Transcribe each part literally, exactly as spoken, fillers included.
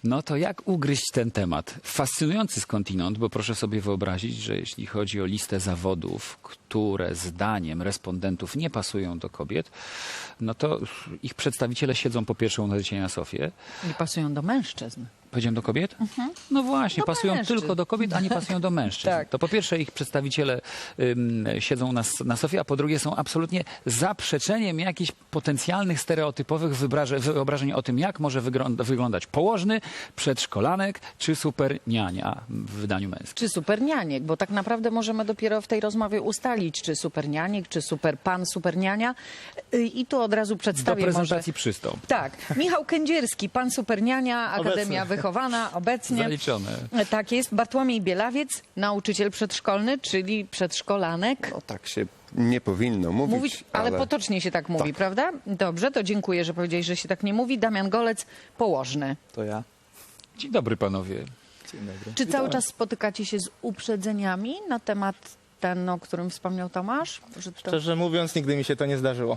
No to jak ugryźć ten temat? Fascynujący skądinąd, bo proszę sobie wyobrazić, że jeśli chodzi o listę zawodów, które zdaniem respondentów nie pasują do kobiet, no to ich przedstawiciele siedzą po pierwsze u Nadziei na sofie. Nie pasują do mężczyzn. Powiedziałem do kobiet? No właśnie, Do pasują mężczyzn. tylko do kobiet, a nie pasują do mężczyzn. Tak. To po pierwsze ich przedstawiciele ym, siedzą u nas na sofie, a po drugie są absolutnie zaprzeczeniem jakichś potencjalnych stereotypowych wyobrażeń, wyobrażeń o tym, jak może wygląda, wyglądać położny, przedszkolanek czy superniania w wydaniu męskim. Czy supernianiek, bo tak naprawdę możemy dopiero w tej rozmowie ustalić, czy supernianiek, czy super pan, superniania. Y, I tu od razu Do przedstawię prezentacji może... przystąp. Tak, Michał Kędzierski, pan superniania, Akademia Wychowana, obecnie. Zaliczone. Tak jest, Bartłomiej Bielawiec, nauczyciel przedszkolny, czyli przedszkolanek. No tak się nie powinno mówić, Mówić, ale, ale potocznie się tak mówi, Tak. prawda? Dobrze, to dziękuję, że powiedziałeś, że się tak nie mówi. Damian Golec, położny. To ja. Dzień dobry panowie. Dzień dobry. Czy cały czas spotykacie się z uprzedzeniami na temat ten, o którym wspomniał Tomasz? Że to... Szczerze mówiąc, nigdy mi się to nie zdarzyło.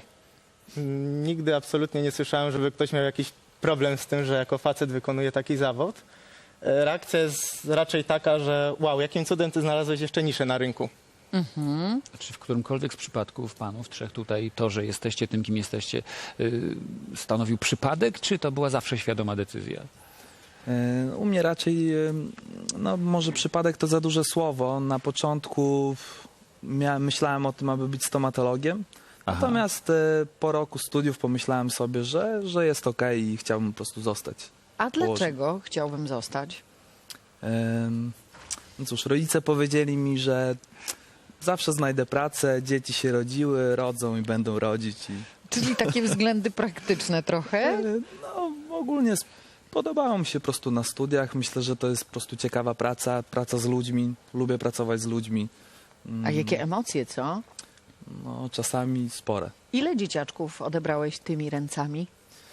Mm, Nigdy absolutnie nie słyszałem, żeby ktoś miał jakiś problem z tym, że jako facet wykonuje taki zawód. E, Reakcja jest raczej taka, że wow, jakim cudem ty znalazłeś jeszcze niszę na rynku. Czy w którymkolwiek z przypadków panów trzech tutaj to, że jesteście tym, kim jesteście, yy, stanowił przypadek, czy to była zawsze świadoma decyzja? E, U mnie raczej, e, no może przypadek to za duże słowo. Na początku miałem, myślałem o tym, aby być stomatologiem. Aha. Natomiast e, po roku studiów pomyślałem sobie, że, że jest okej i chciałbym po prostu zostać. A dlaczego chciałbym zostać? E, No cóż, rodzice powiedzieli mi, że zawsze znajdę pracę, dzieci się rodziły, rodzą i będą rodzić. I, Czyli takie względy praktyczne trochę? e, no ogólnie s- podobało mi się po prostu na studiach. Myślę, że to jest po prostu ciekawa praca, praca z ludźmi. Lubię pracować z ludźmi. A jakie emocje, co? No czasami spore. Ile dzieciaczków odebrałeś tymi ręcami?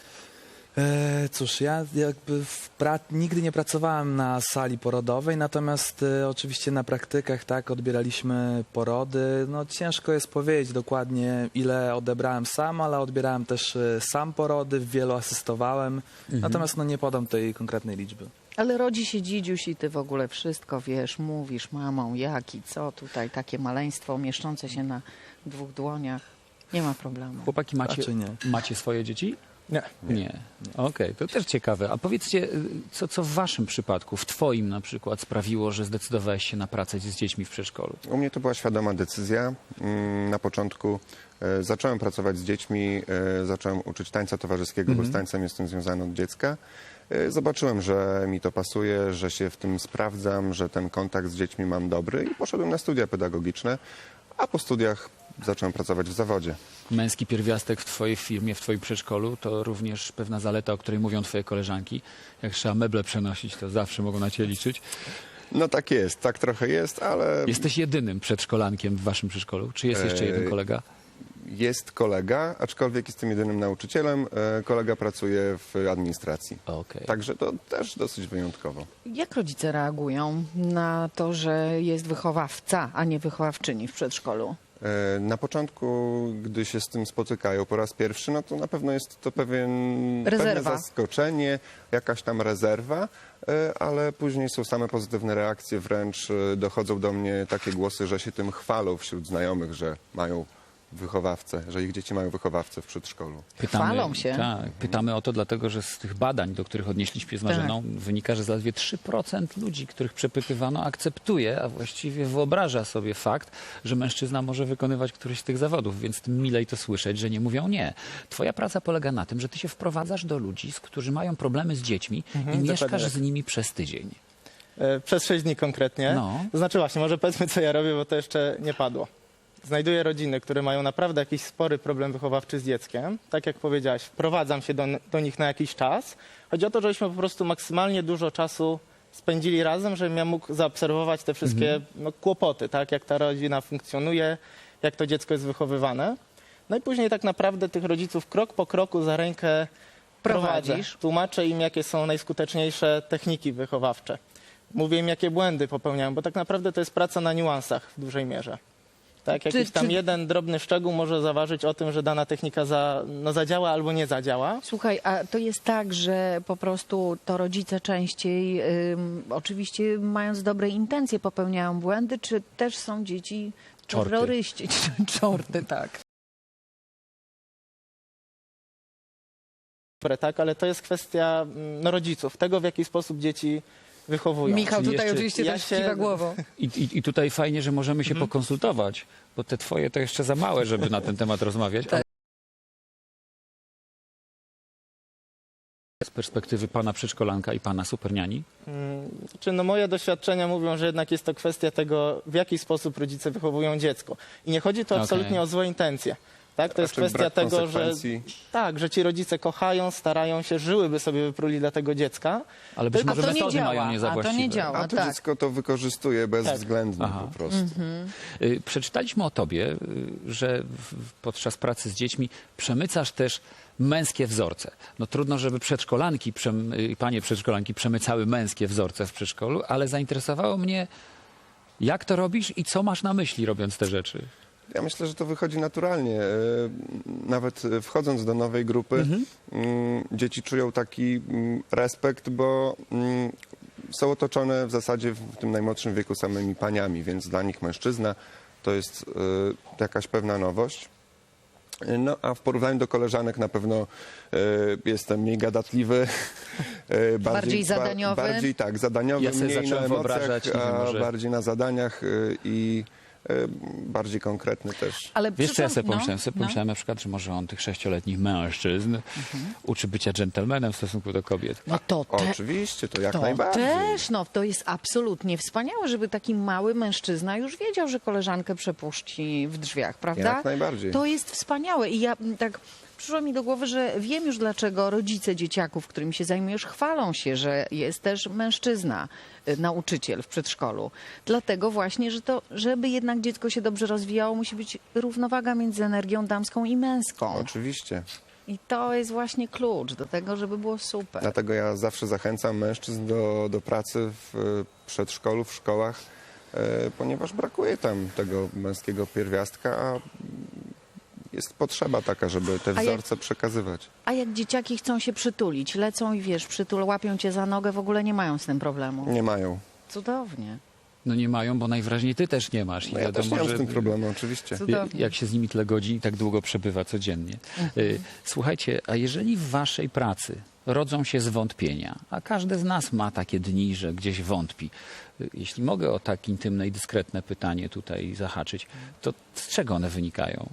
E, cóż, ja jakby w pra- nigdy nie pracowałem na sali porodowej, natomiast e, oczywiście na praktykach tak odbieraliśmy porody. No ciężko jest powiedzieć dokładnie, ile odebrałem sam, ale odbierałem też e, sam porody, w wielu asystowałem. Natomiast no nie podam tej konkretnej liczby. Ale rodzi się dzidziuś i ty w ogóle wszystko wiesz, mówisz mamą jak i co tutaj, takie maleństwo mieszczące się na dwóch dłoniach. Nie ma problemu. Chłopaki, macie, Raczej nie. macie swoje dzieci? Nie. Nie. Okej, to też ciekawe. A powiedzcie, y, co, co w waszym przypadku, w twoim na przykład, sprawiło, że zdecydowałeś się na pracę z dziećmi w przedszkolu? u mnie to była świadoma decyzja. Mm, Na początku e, zacząłem pracować z dziećmi, e, zacząłem uczyć tańca towarzyskiego, bo z tańcem jestem związany od dziecka. E, Zobaczyłem, że mi to pasuje, że się w tym sprawdzam, że ten kontakt z dziećmi mam dobry i poszedłem na studia pedagogiczne, a po studiach zacząłem pracować w zawodzie. Męski pierwiastek w twojej firmie, w twoim przedszkolu, to również pewna zaleta, o której mówią twoje koleżanki. Jak trzeba meble przenosić, to zawsze mogą na ciebie liczyć. No tak jest, tak trochę jest, ale Jesteś jedynym przedszkolankiem w waszym przedszkolu? Czy jest jeszcze jeden Eee, kolega? jest kolega, aczkolwiek jestem jedynym nauczycielem. E, Kolega pracuje w administracji. Okej. Także to też dosyć wyjątkowo. Jak rodzice reagują na to, że jest wychowawca, a nie wychowawczyni w przedszkolu? E, Na początku, gdy się z tym spotykają po raz pierwszy, no to na pewno jest to pewien, pewne Rezerwa. zaskoczenie, jakaś tam rezerwa, e, ale później są same pozytywne reakcje, wręcz e, dochodzą do mnie takie głosy, że się tym chwalą wśród znajomych, że mają wychowawcę, że ich dzieci mają wychowawcę w przedszkolu. Chwalą się. Tak, pytamy o to dlatego, że z tych badań, do których odnieśliśmy z Marzeną, wynika, że zaledwie trzy procent ludzi, których przepytywano, akceptuje, a właściwie wyobraża sobie fakt, że mężczyzna może wykonywać któryś z tych zawodów, więc tym milej to słyszeć, że nie mówią nie. Twoja praca polega na tym, że ty się wprowadzasz do ludzi, z którzy mają problemy z dziećmi i dokładnie mieszkasz tak. z nimi przez tydzień. E, Przez sześć dni konkretnie. No. To znaczy właśnie, może powiedzmy, co ja robię, bo to jeszcze nie padło. Znajduję rodziny, które mają naprawdę jakiś spory problem wychowawczy z dzieckiem. Tak jak powiedziałaś, wprowadzam się do, do nich na jakiś czas. Chodzi o to, żebyśmy po prostu maksymalnie dużo czasu spędzili razem, żebym ja mógł zaobserwować te wszystkie no, kłopoty, tak? Jak ta rodzina funkcjonuje, jak to dziecko jest wychowywane. No i później tak naprawdę tych rodziców krok po kroku za rękę prowadzę. Prowadzisz. Tłumaczę im, jakie są najskuteczniejsze techniki wychowawcze. Mówię im, jakie błędy popełniają, bo tak naprawdę to jest praca na niuansach w dużej mierze. Tak, Czy- jakiś tam czy- jeden drobny szczegół może zaważyć o tym, że dana technika za, no, zadziała albo nie zadziała. Słuchaj, a to jest tak, że po prostu to rodzice częściej, ym, oczywiście mając dobre intencje, popełniają błędy, czy też są dzieci Czorty. terroryści, czorty, tak. Dobre, tak, ale to jest kwestia mm, no, rodziców, tego w jaki sposób dzieci wychowują. Michał Czyli tutaj jeszcze- oczywiście ja też się- kiwa głową. I, i, I tutaj fajnie, że możemy się pokonsultować, bo te twoje to jeszcze za małe, żeby na ten temat rozmawiać. Tak. Ale z perspektywy pana przedszkolanka i pana superniani, Mm, Czy no moje doświadczenia mówią, że jednak jest to kwestia tego, w jaki sposób rodzice wychowują dziecko. I nie chodzi tu Okej. absolutnie o złe intencje. Tak? To jest Raczej kwestia brak tego, że konsekwencji. tak, że ci rodzice kochają, starają się, żyłyby sobie wypruli dla tego dziecka. ale być A może to nie metody działa, mają nie za a to nie właściwe. działa. A to tak. dziecko to wykorzystuje bezwzględnie Aha. po prostu. Y, Przeczytaliśmy o tobie, y, że w- podczas pracy z dziećmi przemycasz też męskie wzorce. No trudno, żeby przedszkolanki, przem- y, panie przedszkolanki przemycały męskie wzorce w przedszkolu, ale zainteresowało mnie, jak to robisz i co masz na myśli, robiąc te rzeczy. Ja myślę, że to wychodzi naturalnie. E, Nawet e, wchodząc do nowej grupy, mm, dzieci czują taki mm, respekt, bo mm, są otoczone w zasadzie w tym najmłodszym wieku samymi paniami, więc dla nich mężczyzna to jest e, jakaś pewna nowość. E, No, a w porównaniu do koleżanek na pewno e, jestem mniej gadatliwy. e, Bardziej zadaniowy? Ba, bardziej tak, zadaniowy, Ja sobie mniej na zacząłem wyobrażać, emocjach, nie wiem, a może- bardziej na zadaniach e, i e, bardziej konkretny też. Ale Wiesz, co ja przyszłam- sobie no, pomyślałem? Sobie no. pomyślałem na przykład, że może on tych sześcioletnich mężczyzn uczy bycia dżentelmenem w stosunku do kobiet. No to te, Oczywiście, to jak to najbardziej. też, no to jest absolutnie wspaniałe, żeby taki mały mężczyzna już wiedział, że koleżankę przepuści w drzwiach, prawda? Jak najbardziej. To jest wspaniałe i ja m, tak przyszło mi do głowy, że wiem już dlaczego rodzice dzieciaków, którymi się zajmujesz, chwalą się, że jest też mężczyzna, y, nauczyciel w przedszkolu. Dlatego właśnie, że to, żeby jednak dziecko się dobrze rozwijało, musi być równowaga między energią damską i męską. Oczywiście. I to jest właśnie klucz do tego, żeby było super. Dlatego ja zawsze zachęcam mężczyzn do, do pracy w e, przedszkolu, w szkołach, e, ponieważ brakuje tam tego męskiego pierwiastka, a jest potrzeba taka, żeby te A jak- wzorce przekazywać. A jak dzieciaki chcą się przytulić, lecą i wiesz, przytul, łapią cię za nogę, w ogóle nie mają z tym problemu. Nie mają. Cudownie. No nie mają, bo najwyraźniej ty też nie masz. I No ja też nie mam z tym problemu, oczywiście. Cudownie. Jak się z nimi tyle godzin i tak długo przebywa codziennie. Y, Słuchajcie, a jeżeli w waszej pracy rodzą się zwątpienia, a każdy z nas ma takie dni, że gdzieś wątpi. y, Jeśli mogę o tak intymne i dyskretne pytanie tutaj zahaczyć, to z czego one wynikają?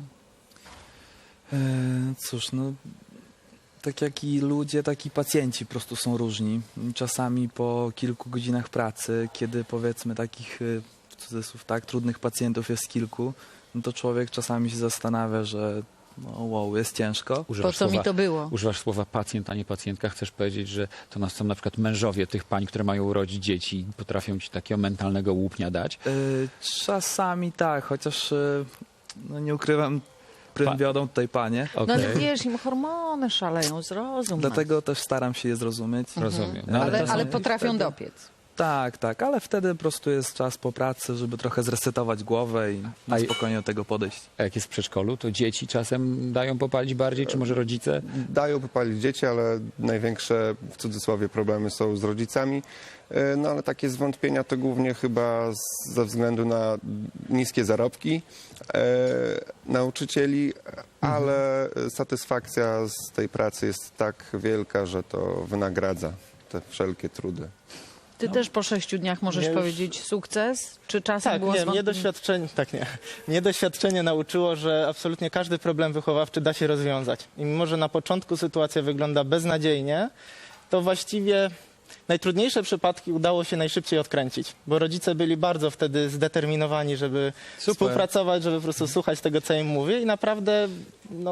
E, cóż, no tak jak i ludzie, tak i pacjenci po prostu są różni. Czasami po kilku godzinach pracy, kiedy powiedzmy takich, e, w cudzysłów, tak, trudnych pacjentów jest kilku, no to człowiek czasami się zastanawia, że no wow, jest ciężko. Po Używasz co mi słowa- to było? Używasz słowa pacjent, a nie pacjentka. Chcesz powiedzieć, że to nas są na przykład mężowie tych pań, które mają urodzić dzieci i potrafią ci takiego mentalnego łupnia dać. E, czasami tak, chociaż e, no nie ukrywam, prym Pa- wiodą tutaj panie. No Okej, ale wiesz, im hormony szaleją, zrozum. Dlatego też staram się je zrozumieć. rozumiem. No, ale, to ale są- potrafią wtedy- dopiec. Tak, tak, ale wtedy po prostu jest czas po pracy, żeby trochę zresetować głowę i na A i- spokojnie do tego podejść. A jak jest w przedszkolu, to dzieci czasem dają popalić bardziej, czy może rodzice? Dają popalić dzieci, ale największe w cudzysłowie problemy są z rodzicami. E, No ale takie zwątpienia to głównie chyba z- ze względu na niskie zarobki e, nauczycieli, ale satysfakcja z tej pracy jest tak wielka, że to wynagradza te wszelkie trudy. Ty też po sześciu dniach możesz Mnie już- powiedzieć sukces? Czy czasem Tak, było nie, zwątpienie? mnie doświadczenie, tak nie. Mnie doświadczenie nauczyło, że absolutnie każdy problem wychowawczy da się rozwiązać. I mimo, że na początku sytuacja wygląda beznadziejnie, to właściwie najtrudniejsze przypadki udało się najszybciej odkręcić, bo rodzice byli bardzo wtedy zdeterminowani, żeby Super. współpracować, żeby po prostu słuchać tego, co im mówię i naprawdę no,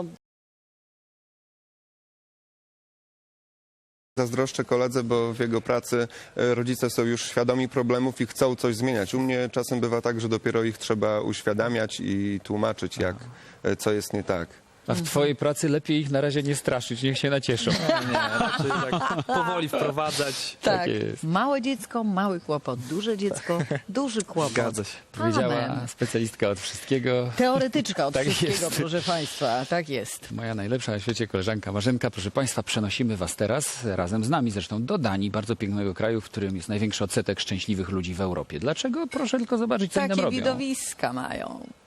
Zazdroszczę koledze, bo w jego pracy e, rodzice są już świadomi problemów i chcą coś zmieniać. U mnie czasem bywa tak, że dopiero ich trzeba uświadamiać i tłumaczyć, jak, e, co jest nie tak. A w twojej pracy lepiej ich na razie nie straszyć, niech się nacieszą. Nie, nie, raczej tak powoli wprowadzać. Tak, Tak jest. małe dziecko, mały kłopot, duże dziecko, duży kłopot. Zgadza się. Powiedziała Amen. specjalistka od wszystkiego. Teoretyczka od Tak wszystkiego, jest. proszę Państwa, tak jest. Moja najlepsza na świecie koleżanka Marzenka. Proszę Państwa, przenosimy Was teraz razem z nami zresztą do Danii, bardzo pięknego kraju, w którym jest największy odsetek szczęśliwych ludzi w Europie. Dlaczego? Proszę tylko zobaczyć, co oni tam Takie robią. widowiska mają.